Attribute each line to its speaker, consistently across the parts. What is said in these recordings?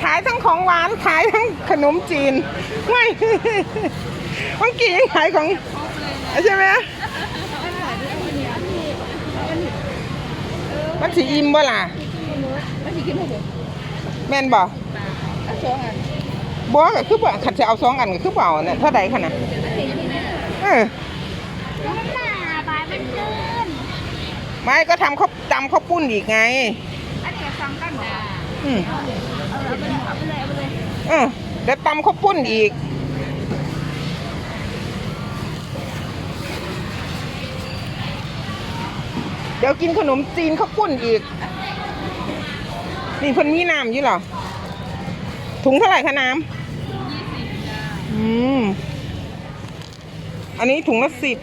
Speaker 1: ายทั้งของหวานขายทั้งขนมจีนไม่บางกี่ยังขายของใช่ไหมมันสีอิ่มบ่ล่ะแม่นบ่บ่ก็คือบ่ขันจะเอา2 อันก็คือเปล่าเนี่ยเท่าใดขนาดไม่ก็ทำข้าวตำข้าวปุ้นอีกไงเดี๋ยวตำข้าวปุ้นอีกเดี๋ยวกินขนมจีนข้าวปุ้นอีกนี่เพิ่นมีน้ำอยู่เหรอถุงเท่าไหร่คะน้ำอันนี้ถุงละ10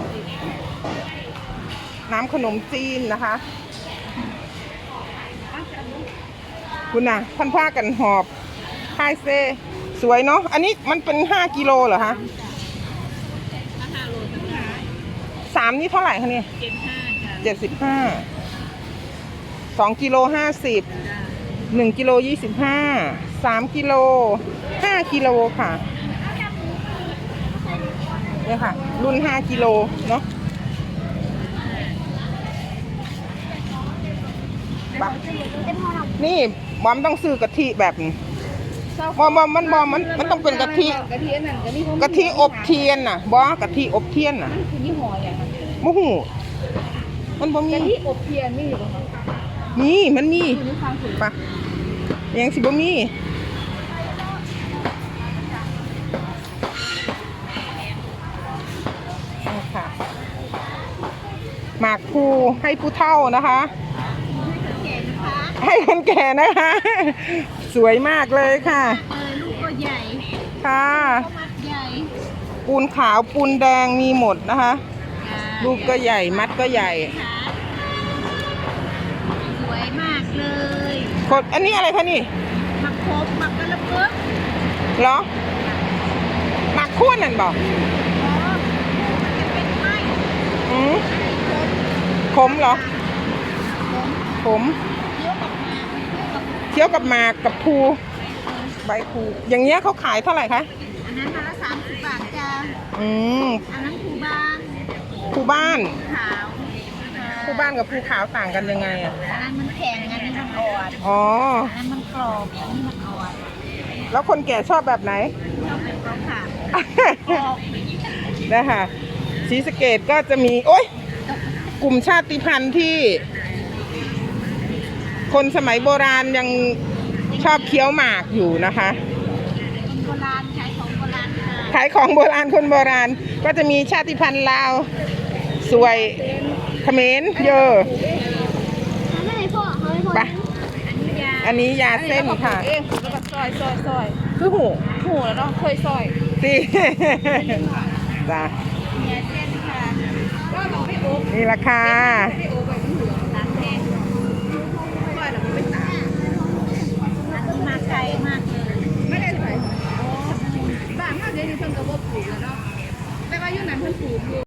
Speaker 1: น้ำขนมจีนนะคะคุณน่ะท่านผ้ากันหอบไฮเซสวยเนาะอันนี้มันเป็น5 กิโลเหรอคะ3นี่เท่าไหร่คะเนี่ย75 2 กิโล50 1 กิโล25 3 กิโล5 กิโลค่ะเนี่ยค่ะรุ่น5 กิโลเนาะนี่บอมต้องซื้อกะทิแบบนี้บอมมันต้องเป็นกะทิอบเทียนน่ะบอกะทิอบเทียนน่ะมูหูมันบ่มีกะทิอบเทียนมีอยู่ป่ะมันมีปะยังสิบ่มีค่ะหมากภูให้ผู้เฒ่านะคะให้คนแก่นะคะ สวยมากเลยค่ะ
Speaker 2: ลูกก็ใหญ่
Speaker 1: ค่ะปูนขาวปูนแดงมีหมดนะคะลูกก็ใหญ่มัดก็ใหญ่
Speaker 2: สวยมากเลย
Speaker 1: กดอันนี้อะไรคะนี่
Speaker 2: หมักโคบหมักกระเพิก
Speaker 1: เหรอหมักขั้วนั่นบอกขมเหรอขมเคี้ยวกับหมากกับภูใบภูอย่างเงี้ยเขาขายเท่าไหร่คะ
Speaker 2: อันนั้นมาละ30 บาทจ้าอันนั้นภูบ้านขาว
Speaker 1: ภูบ้านกับภูขาวต่างกันยังไงอ่ะ
Speaker 2: อันนั้นมันแข็งอันนี้มันอ่อน
Speaker 1: อ๋อ
Speaker 2: อันนั้นมันกรอบอันนี้มันอ่อน
Speaker 1: แล้วคนแก่ชอบแบบไหน
Speaker 2: ชอบเป็นขาว
Speaker 1: นะคะศรีสะเกษก็จะมีโอ๊ยกลุ่มชาติพันธุ์ที่คนสมัยโบราณยังชอบเคี้ยวหมากอยู่นะคะ
Speaker 2: คนโบราณขายของโบราณ
Speaker 1: ขายของโบราณคนโบราณก็จะมีชาติพันธุ์ลาวสวยเขมรเยอะปะอันนี้ยาเส้นค่ะ
Speaker 2: แล้วก็ซอย
Speaker 1: คือหู
Speaker 2: แล้วเนาะเคยซอย
Speaker 1: สิจ้ะ
Speaker 2: ยาเส้นค่ะก็ต้องไปอบ
Speaker 1: นี่ราคา